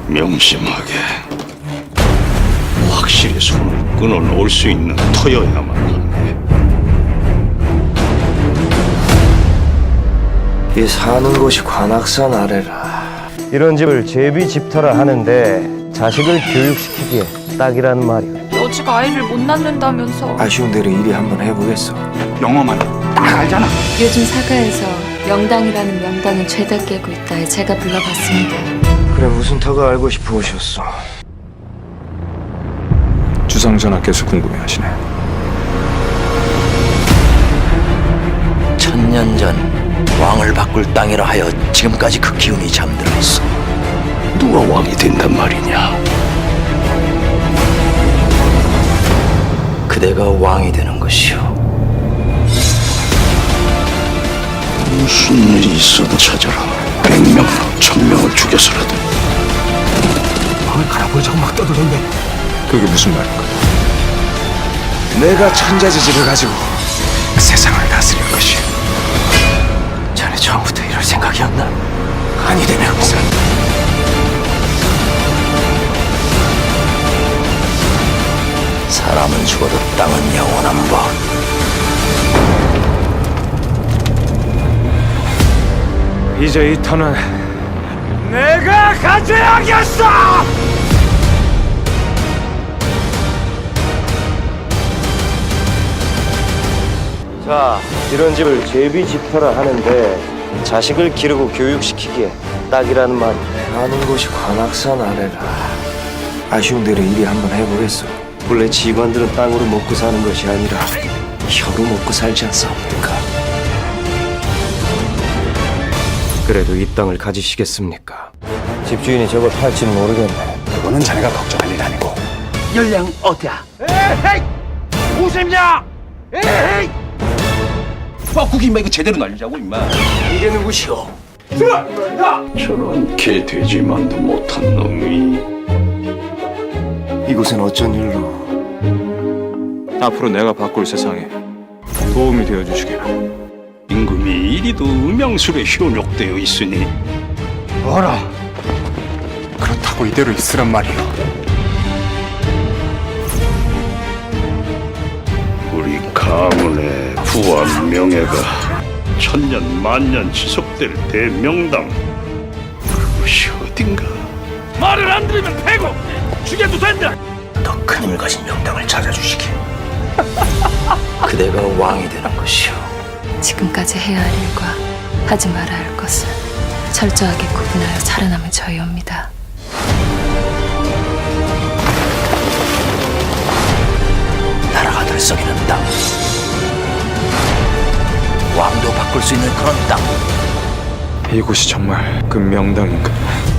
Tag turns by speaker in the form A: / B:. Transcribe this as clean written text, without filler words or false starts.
A: 명심하게 확실히 손을 끊어놓을 수 있는 터여야만 하네.
B: 이 사는 곳이 관악산 아래라.
C: 이런 집을 제비 집터라 하는데 자식을 교육시키기에 딱이라는 말이오.
D: 여주가 아이를 못 낳는다면서.
B: 아쉬운 대로 일이 한번 해보겠어.
E: 영어만 딱 알잖아.
F: 요즘 사가에서 명당이라는 명당은 죄다 깨고 있다. 제가 불러봤습니다.
B: 그래, 무슨 터가 알고 싶어 오셨어.
E: 주상전하께서 궁금해하시네.
G: 천년 전 왕을 바꿀 땅이라 하여 지금까지 그 기운이 잠들어 있어.
A: 누가 왕이 된단 말이냐?
G: 그대가 왕이 되는 것이오.
A: 무슨 일이 있어도 찾아라. 100명, 1000명을 죽여서라도.
E: 마을 갈아버리자고 막 떠들던데. 그게 무슨 말인가?
B: 내가 천자지지를 가지고
E: 세상을 다스릴 것이.
G: 자네 처음부터 이럴 생각이었나?
B: 아니 되네 없어.
G: 사람은 죽어도 땅은 영원한 법.
C: 이제 이 터는 내가 가져야겠어! 자, 이런 집을 제비 집터라 하는데 자식을 기르고 교육시키기에 딱이라는 말이오.
B: 사는 곳이 관악산 아래라. 아쉬운 대로 일이 한번 해보겠어.
C: 원래 지관들은 땅으로 먹고 사는 것이 아니라
B: 혀로 먹고 살지 않사옵니까?
C: 그래도 이 땅을 가지시겠습니까? 집주인이 저걸 팔지는 모르겠네.
E: 그거는 자네가 걱정할 일 아니고.
G: 열량 어디야?
E: 국이 임마 이거 제대로 날리자고 임마.
G: 이게 누구시오?
A: 저런 개돼지만도 못한 놈이
B: 이곳은 어쩐 일로?
E: 앞으로 내가 바꿀 세상에 도움이 되어 주시기를.
A: 임금이 이리도 음양술에 현혹되어 있으니
E: 어라. 그렇다고 이대로 있으란 말이오.
A: 우리 가문의 부한 명예가 천년 만년 지속될 대명당, 그것이 어딘가. 말을 안 들으면 패고 죽여도 된다.
G: 더 큰 힘을 가진 명당을 찾아주시길. 그대가 왕이 되는 것이오.
F: 지금까지 해야 할 일과 하지 말아야 할 것을 철저하게 구분하여 살아남은 저희옵니다.
G: 나라가 들썩이는 땅, 왕도 바꿀 수 있는 그런 땅.
E: 이곳이 정말 그 명당인가?